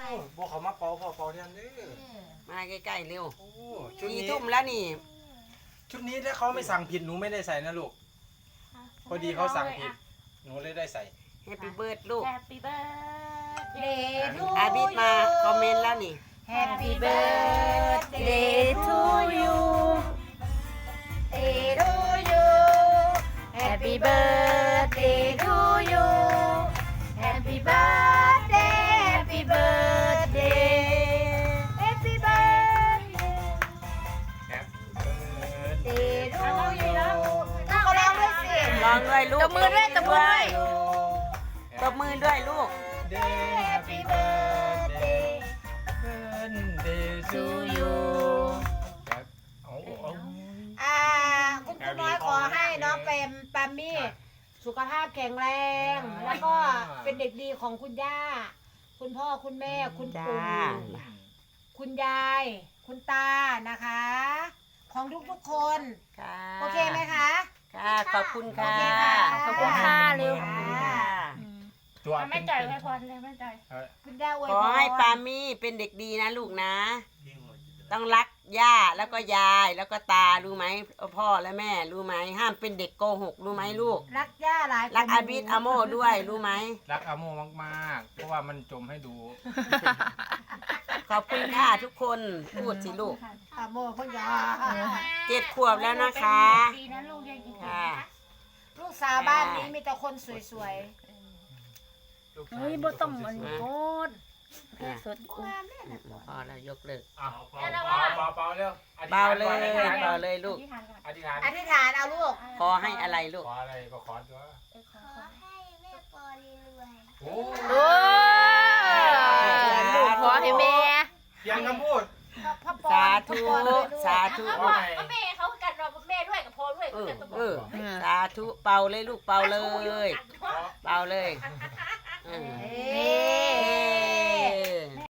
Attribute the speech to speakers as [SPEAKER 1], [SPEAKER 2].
[SPEAKER 1] บอกเขามาเป่าพอเป่าแทนเด้อ
[SPEAKER 2] มาใกล้ๆเร็ว
[SPEAKER 1] โอ้ชุด
[SPEAKER 2] สี่
[SPEAKER 1] นี้
[SPEAKER 2] ทุ่มแล้วนี่
[SPEAKER 1] ชุดนี้ถ้าเขาไม่สั่งผิดหนูไม่ได้ใส่นะลูกพอดีเขาสั่งผิดหนูเลยได้ใส่
[SPEAKER 2] Happy Birthday ลูก
[SPEAKER 3] Happy birthday to
[SPEAKER 2] อาบิดมาคอมเมนต์แล้วนี่
[SPEAKER 3] Happy birthday to you Day to you Happy birthday to you Happy birthday Happy birthday Happy birthday
[SPEAKER 1] แฮป
[SPEAKER 3] Day to you เขาร้องด้วยสิ
[SPEAKER 2] ร้องด้วยลูก
[SPEAKER 3] ตบมือด้วยตบมือด้วย
[SPEAKER 2] ตบมือด้วยลูก
[SPEAKER 1] เดย์
[SPEAKER 3] Happy birthday
[SPEAKER 1] birthday to you ครับเอา
[SPEAKER 3] คุณน้อยขอให้น้องเปรมปามี่สุขภาพแข็งแรง แล้วก็เป็นเด็กดีของคุณย่า คุณพ่อคุณแม่คุณปู่
[SPEAKER 2] จ้า
[SPEAKER 3] คุณยาย คุณตานะคะ ของทุกๆคน
[SPEAKER 2] ค่ะ
[SPEAKER 3] โอเคไหมคะ
[SPEAKER 2] ค่ะขอบคุณค่ะ
[SPEAKER 3] โอเคค่ะ
[SPEAKER 2] ขอบคุณค่ะเร็ว
[SPEAKER 3] ค่ะ
[SPEAKER 2] ค่ะ
[SPEAKER 1] ตัว
[SPEAKER 4] ไม่จ่ายไว้พอเลยไม่จ่าย
[SPEAKER 3] คุณย่าอวย
[SPEAKER 2] ขอ
[SPEAKER 3] พร
[SPEAKER 2] ให้ปามี่เป็นเด็กดีนะลูกนะ ต้องรักย่าแล้วก็ยายแล้วก็ตารู้ไหมพ่อและแม่รู้ไหมห้ามเป็นเด็กโกหกรู้ไหมลูก
[SPEAKER 3] รักย่าหลาย
[SPEAKER 2] รักอาบิดอาโมด้วยรู้ไหม
[SPEAKER 1] รักอาโมมากๆ เพราะว่ามันจมให้ดู
[SPEAKER 2] ขอบคุณค่ะทุกคนพูดสิลูก
[SPEAKER 3] อาโมคุณย่า
[SPEAKER 2] 7 ขวบแล้วนะคะ
[SPEAKER 4] ดีนะลูกยังอีก
[SPEAKER 2] ค่ะ
[SPEAKER 3] ลูกสาวบ้านนี้มีแต่คนสวย
[SPEAKER 4] เฮ้ยบ่ต้องมันโคตร
[SPEAKER 2] อ่ะ
[SPEAKER 4] สด
[SPEAKER 3] ๆงามเนี่ยนะ
[SPEAKER 2] พอแล้วยกเลิก
[SPEAKER 1] เบาเร็ว
[SPEAKER 2] เบาเลยเบาเลยลูก
[SPEAKER 4] ที่ทานก่อน
[SPEAKER 1] อธิษฐาน
[SPEAKER 3] อธิษฐานเอาลูก
[SPEAKER 2] ขอให้อะไรลูก
[SPEAKER 1] ขออะไรก็ขอตัว
[SPEAKER 4] ขอให้
[SPEAKER 1] โอ้
[SPEAKER 4] โอ้ลูกขอให้แม่
[SPEAKER 1] เพียงคำพูด
[SPEAKER 3] พ่อปอ
[SPEAKER 2] สาธุ
[SPEAKER 3] พ่อปอนด้วยลูก
[SPEAKER 2] สาธุ
[SPEAKER 1] ว่าไง
[SPEAKER 4] แม่เขากันเราแม่ด้วยกับพ่อด้วย
[SPEAKER 2] เออ
[SPEAKER 4] กันตัว
[SPEAKER 2] เออสาธุเป่าเลยลูกเป่าเลย เป่าเลยเออ
[SPEAKER 3] เอ๊